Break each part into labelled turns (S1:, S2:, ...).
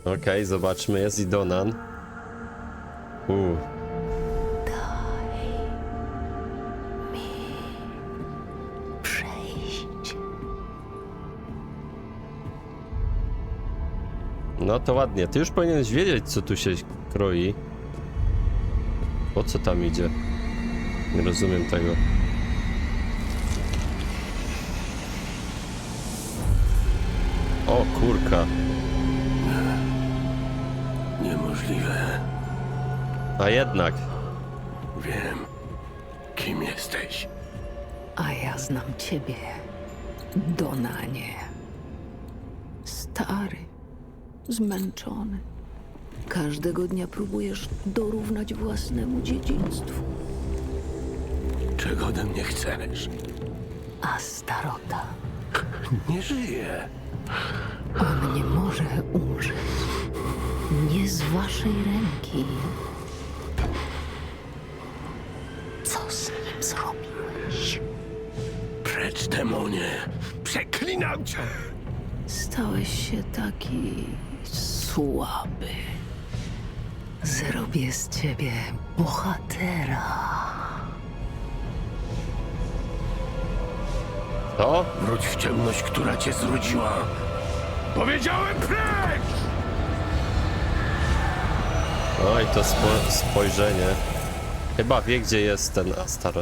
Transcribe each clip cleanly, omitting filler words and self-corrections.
S1: Okej, zobaczmy, jest i Donan.
S2: Przejść.
S1: No to ładnie. Ty już powinieneś wiedzieć, co tu się kroi. Po co tam idzie? Nie rozumiem tego. O kurka.
S3: Niemożliwe.
S1: A jednak.
S3: Wiem, kim jesteś.
S2: A ja znam ciebie, Donanie. Stary, zmęczony. Każdego dnia próbujesz dorównać własnemu dziedzictwu.
S3: Czego ode mnie chcesz?
S2: A starota,
S3: Nie żyję.
S2: on nie może umrzeć. Nie z waszej ręki. Co z nim zrobiłeś?
S3: Precz, demonie. Przeklinam cię.
S2: Stałeś się taki słaby. Zrobię z ciebie bohatera.
S1: To?
S3: Wróć w ciemność, która cię zrodziła. Powiedziałem precz!
S1: Oj, to spojrzenie. Chyba wie, gdzie jest ten Astaroth.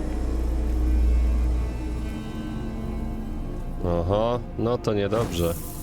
S1: Oho, no to niedobrze.